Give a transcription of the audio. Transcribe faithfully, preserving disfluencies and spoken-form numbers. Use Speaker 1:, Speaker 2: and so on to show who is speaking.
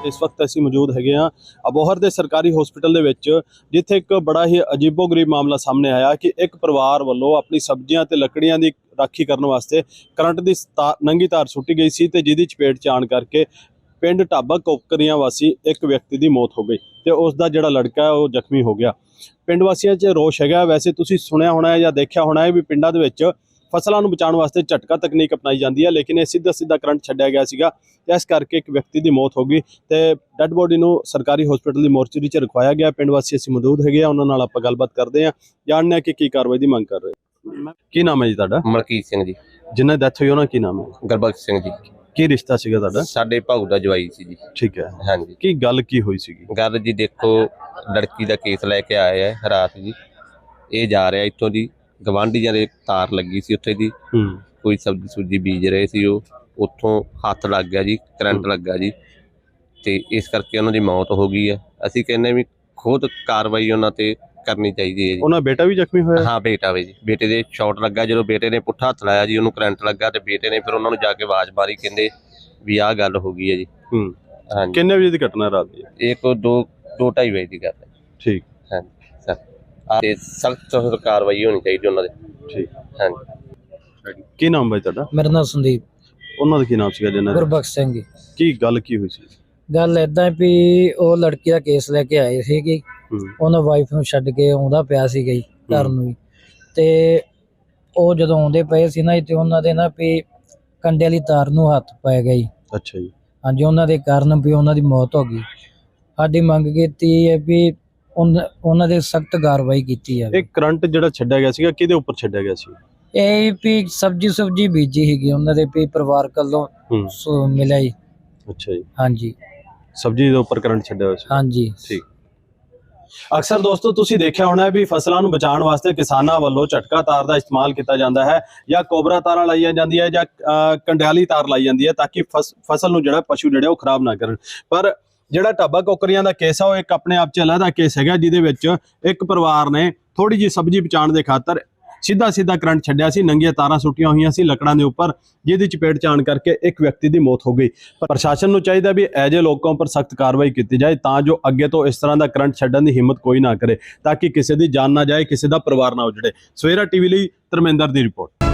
Speaker 1: इस वक्त असीं मौजूद हैगे हाँ अबोहर के सरकारी हॉस्पिटल दे विच, जिथे एक बड़ा ही अजीबो गरीब मामला सामने आया कि एक परिवार वालों अपनी सब्जियां ते लकड़ियां की राखी करने वास्ते करंट की तार नंगी तार सुट्टी गई सी ते जिहदी चपेट च आण करके पिंड ढाबा कोकरियां वासी एक व्यक्ति की मौत हो गई तो उसका जिहड़ा लड़का है वो जख्मी हो गया। पिंड वासियों च रोष हैगा। वैसे तुसीं सुनिया होना है या देखिया होना है भी पिंडां दे विच फसलों को बचाने वास्ते झटका तकनीक अपनाई जाती है, लेकिन यह सीधा सीधा करंट छड्डिया गया सीगा, इस करके एक व्यक्ति की मौत हो गई तो डैड बॉडी को सरकारी हॉस्पिटल की मोर्चरी च रखवाया गया। पिंड वासी असीं मौजूद हैगे आ, उन्हां नाल आपां गलबात करदे आ, जानने आ कि की कार्रवाई की मांग कर रहे। की नाम है जी तुहाडा?
Speaker 2: मलकीत सिंह जी।
Speaker 1: जिन्हें डैथ हुई उन्हां की नाम है?
Speaker 2: गुरबख्श सिंह जी।
Speaker 1: की रिश्ता सीगा तुहाडा?
Speaker 2: साडे भाऊ दा जवाई सी जी।
Speaker 1: ठीक है,
Speaker 2: हाँ जी।
Speaker 1: की गल की हुई सीगी?
Speaker 2: गल जी देखो, लड़की का केस लैके आए है रात जी, ये जा रहा इत्थों जी गवांढियां दे तार लगी सी उत्थे जी, कोई सब्जी सुब्जी बीज रहे सी, उत्थों हत्थ लग गया जी, करंट लगा जी, ते इस करके उन्हां दी मौत हो गई है। असीं कहने भी खुद कार्रवाई उन्हां ते करनी चाहिए है जी।
Speaker 1: उन्हां बेटा भी जख्मी होया? हाँ
Speaker 2: बेटा वे जी, बेटे दे शॉट लगा, जो बेटे ने पुट्ठा हत्थ लाया जी, उन्होंने करंट लगा तो बेटे ने फिर उन्होंने जाके आवाज मारी, कहते भी आह गल हो गई है जी। हाँ जी।
Speaker 1: कितने बजे की घटना रात की?
Speaker 2: एक दो दो ढाई बजे की गल है।
Speaker 1: ठीक।
Speaker 2: हाँ जी सर, सख्त सख्त कार्रवाई होनी चाहिए उन्होंने। ठीक। हाँ जी।
Speaker 1: की नाम भाई तुहाडा?
Speaker 3: मेरा नाम संदीप।
Speaker 1: उन्होंने की नाम सीगा जिन्हां दा?
Speaker 3: गुरबख्श सिंह जी।
Speaker 1: की गल की हुई सी?
Speaker 3: गल इदां भी ਉਹ ਲੜਕੀ ਦਾ ਕੇਸ ਲੈ ਕੇ ਆਏ ਸੀਗੇ, ਉਹਨਾਂ ਵਾਈਫ ਨੂੰ ਛੱਡ ਕੇ ਆਉਂਦਾ ਪਿਆ ਸੀਗਾ ਜੀ ਘਰ ਨੂੰ, ਤੇ ਉਹ ਜਦੋਂ ਆਉਂਦੇ ਪਏ ਸੀ ਨਾ ਤੇ ਉਹਨਾਂ ਦੇ ਨਾ ਵੀ ਕੰਡੇ ਵਾਲੀ ਤਾਰ ਨੂੰ ਹੱਥ ਪੈ ਗਿਆ ਜੀ।
Speaker 1: ਅੱਛਾ ਜੀ।
Speaker 3: ਹਾਂਜੀ, ਉਹਨਾਂ ਦੇ ਕਾਰਨ ਵੀ ਉਹਨਾਂ ਦੀ ਮੌਤ ਹੋ ਗਈ। ਸਾਡੀ ਮੰਗ ਕੀਤੀ ਹੈ ਵੀ ਉਹਨਾਂ ਦੇ ਸਖਤ ਕਾਰਵਾਈ ਕੀਤੀ ਜਾਵੇ।
Speaker 1: ਇਹ ਕਰੰਟ ਜਿਹੜਾ ਛੱਡਿਆ ਗਿਆ ਸੀਗਾ ਕਿਹਦੇ ਉੱਪਰ ਛੱਡਿਆ ਗਿਆ ਸੀ?
Speaker 3: ਇਹ ਵੀ ਸਬਜੀ ਸੁਬਜੀ ਬੀਜੀ ਸੀਗੀ ਉਹਨਾਂ ਦੇ ਵੀ ਪਰਿਵਾਰ ਵੱਲੋਂ ਮਿਲਿਆ ਜੀ।
Speaker 1: ਅੱਛਾ ਜੀ।
Speaker 3: ਹਾਂਜੀ,
Speaker 1: ਸਬਜੀ ਦੇ ਉੱਪਰ ਕਰੰਟ ਛੱਡਿਆ ਹੋਇਆ ਸੀ।
Speaker 3: ਹਾਂਜੀ
Speaker 1: ਠੀਕ। अक्सर दोस्तों तुसीं देखिया होना है भी फसलों को बचाने वास्ते किसानों वालों झटका तार का इस्तेमाल किया जाता है या कोबरा तार लाइया जाती है या कंडियाली तार लाई जाती है ताकि फस फसल नूं जिहड़ा पशु जिहड़े वो खराब ना करन। पर जिहड़ा ढाबा कोकरियां दा केस है वो एक अपने आप च अलहदा केस है, जिहदे विच एक परिवार ने थोड़ी जी सब्जी बचाने के खातर सीधा सीधा करंट छड्डिया सी, नंगियां तारां सुट्टियां हुई सी लकड़ां दे उपर, जिहदी चपेट च आण करके एक व्यक्ति की मौत हो गई। प्रशासन नूं चाहीदा भी ऐजे लोगों पर सख्त कार्रवाई की जाए तां जो अगे तो इस तरह का करंट छड्डण की हिम्मत कोई ना करे, ताकि किसी की जान ना जाए, किसी का परिवार ना उजड़े। सवेरा टीवी लई धर्मेंद्र की रिपोर्ट।